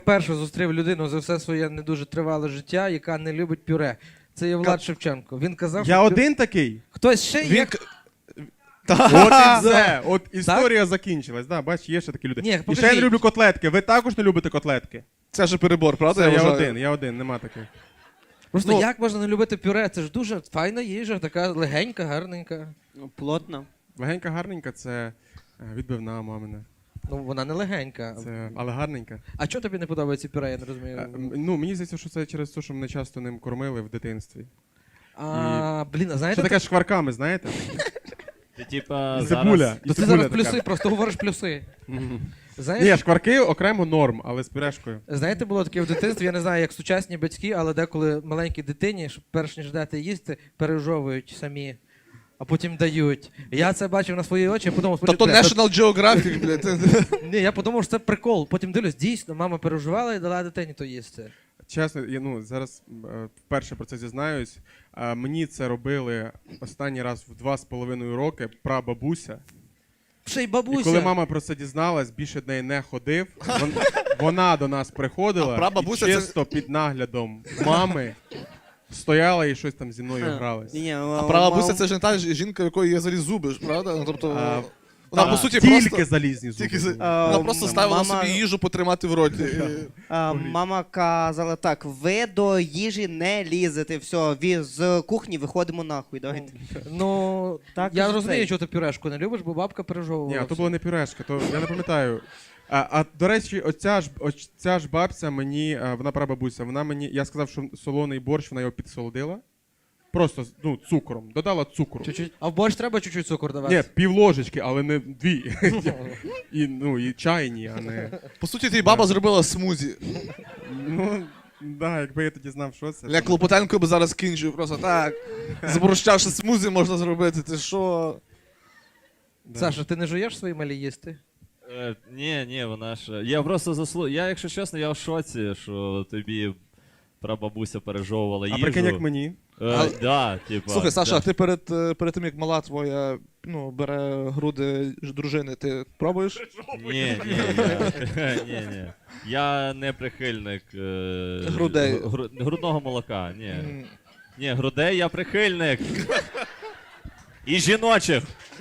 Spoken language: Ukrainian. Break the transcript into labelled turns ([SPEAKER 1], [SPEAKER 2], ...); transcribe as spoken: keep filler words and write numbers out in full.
[SPEAKER 1] Перше зустрів людину за все своє не дуже тривале життя, яка не любить пюре. Це є Влад Шевченко. Він казав,
[SPEAKER 2] Я
[SPEAKER 1] що
[SPEAKER 2] один такий?
[SPEAKER 1] хтось ще
[SPEAKER 3] Він...
[SPEAKER 1] є.
[SPEAKER 3] к-
[SPEAKER 2] От і все. От історія закінчилась. Да, бач, є ще такі люди.
[SPEAKER 1] Ні,
[SPEAKER 2] І ще я
[SPEAKER 1] покажіть.
[SPEAKER 2] не люблю котлетки. Ви також не любите котлетки?
[SPEAKER 3] Це ж перебор, правда?
[SPEAKER 2] Це я
[SPEAKER 3] вважаю?
[SPEAKER 2] один, я один, нема таких.
[SPEAKER 1] Просто
[SPEAKER 3] Ну-
[SPEAKER 1] як можна не любити пюре? Це ж дуже файна їжа, така легенька, гарненька.
[SPEAKER 4] Ну, плотно.
[SPEAKER 2] Легенька гарненька це е, відбивна мамина.
[SPEAKER 1] Ну вона не легенька.
[SPEAKER 2] Це, але гарненька.
[SPEAKER 1] А чого тобі не подобається пюре, я не
[SPEAKER 2] Е,
[SPEAKER 1] розумію.
[SPEAKER 2] м, ну, мені здається, що це через те, що мене часто ним кормили в дитинстві.
[SPEAKER 1] А, блін, а
[SPEAKER 2] Що
[SPEAKER 1] знаєте,
[SPEAKER 2] таке шкварками, знаєте?
[SPEAKER 5] Ти типа
[SPEAKER 2] І
[SPEAKER 5] зараз...
[SPEAKER 2] цибуля. І
[SPEAKER 1] то ти
[SPEAKER 2] цибуля
[SPEAKER 1] зараз
[SPEAKER 2] така.
[SPEAKER 1] плюси, просто говориш плюси.
[SPEAKER 2] Мгм.
[SPEAKER 1] Знаєш,
[SPEAKER 2] Ні, шкварки окремо норм, але з пюрешкою.
[SPEAKER 1] знаєте, було таке в дитинстві, я не знаю, як сучасні батьки, але деколи маленькій дитині, щоб перш ніж дати їсти, пережовують самі, а потім дають. Я це бачив на свої очі, я подумав,
[SPEAKER 3] Тобто
[SPEAKER 1] бля,
[SPEAKER 3] National Geographic, блядь.
[SPEAKER 1] ні, я подумав, що це прикол. Потім дивлюсь, дійсно, мама переживала і дала дитині то їсти.
[SPEAKER 2] Чесно, я ну, зараз е, вперше про це зізнаюсь. Е, мені це робили останній раз в два з половиною роки прабабуся.
[SPEAKER 1] Ще й
[SPEAKER 2] І
[SPEAKER 1] бабуся.
[SPEAKER 2] коли мама про це дізналась, більше до неї не ходив. Вон, вона до нас приходила
[SPEAKER 3] А прабабуся
[SPEAKER 2] і
[SPEAKER 3] це-
[SPEAKER 2] чисто під наглядом мами стояла і щось там зі мною гралась.
[SPEAKER 4] Ні, ні,
[SPEAKER 3] А прабабуся це ж не та ж- жінка, в якої є взагалі зуби, ж, правда? Ну, тобто,
[SPEAKER 2] А,
[SPEAKER 3] вона,
[SPEAKER 2] та,
[SPEAKER 3] по суті,
[SPEAKER 2] тільки
[SPEAKER 3] просто...
[SPEAKER 2] залізні зуби.
[SPEAKER 3] Тільки за-
[SPEAKER 2] були.
[SPEAKER 4] А,
[SPEAKER 3] Вона просто ставила
[SPEAKER 4] мама-
[SPEAKER 3] собі їжу потримати в роті.
[SPEAKER 4] А, мама казала так: ви до їжі не лізете, все, ві- з кухні виходимо нахуй. Давайте.
[SPEAKER 1] Ну,
[SPEAKER 4] Так,
[SPEAKER 1] я
[SPEAKER 4] і
[SPEAKER 1] розумію,
[SPEAKER 4] цей.
[SPEAKER 1] що ти пюрешку не любиш, бо бабка пережовувала.
[SPEAKER 2] Ні, а то
[SPEAKER 1] все.
[SPEAKER 2] була не пюрешка, то я не пам'ятаю. А, а до речі, оця ж оця ж бабця мені, а, вона прабабуся, вона мені, я сказав, що солоний борщ, вона його підсолодила. Просто ну, цукром. Додала цукру.
[SPEAKER 1] Чуть-чуть. А в борщ треба чуть-чуть цукор давати?
[SPEAKER 2] Ні, пів ложечки, але не дві. І, ну, і чайні, а не.
[SPEAKER 3] По суті, твій баба зробила смузі.
[SPEAKER 2] Ну, да, якби я тоді знав, що це.
[SPEAKER 3] Я Клопотенко би зараз кінчив просто так. Зборщавши смузі можна зробити. Ти що?
[SPEAKER 2] Да.
[SPEAKER 1] Саша, ти не жуєш свої малі їсти?
[SPEAKER 5] Е, ні, ні, вона ж... Я просто заслу... Я, якщо чесно, я в шоці, що тобі прабабуся пережовувала
[SPEAKER 2] А
[SPEAKER 5] їжу.
[SPEAKER 2] прикинь, як мені.
[SPEAKER 5] Е,
[SPEAKER 3] А-
[SPEAKER 5] да, типа,
[SPEAKER 3] Слухай, Саша,
[SPEAKER 5] да.
[SPEAKER 3] а ти перед, е, перед тим, як мала твоя ну, бере груди ж- дружини, ти пробуєш?
[SPEAKER 5] Ні, ні, я... ні, ні. Я не прихильник е...
[SPEAKER 3] Грудей.
[SPEAKER 5] гру- грудного молока, ні.
[SPEAKER 3] М.
[SPEAKER 5] Ні, грудей я прихильник. І жіночих.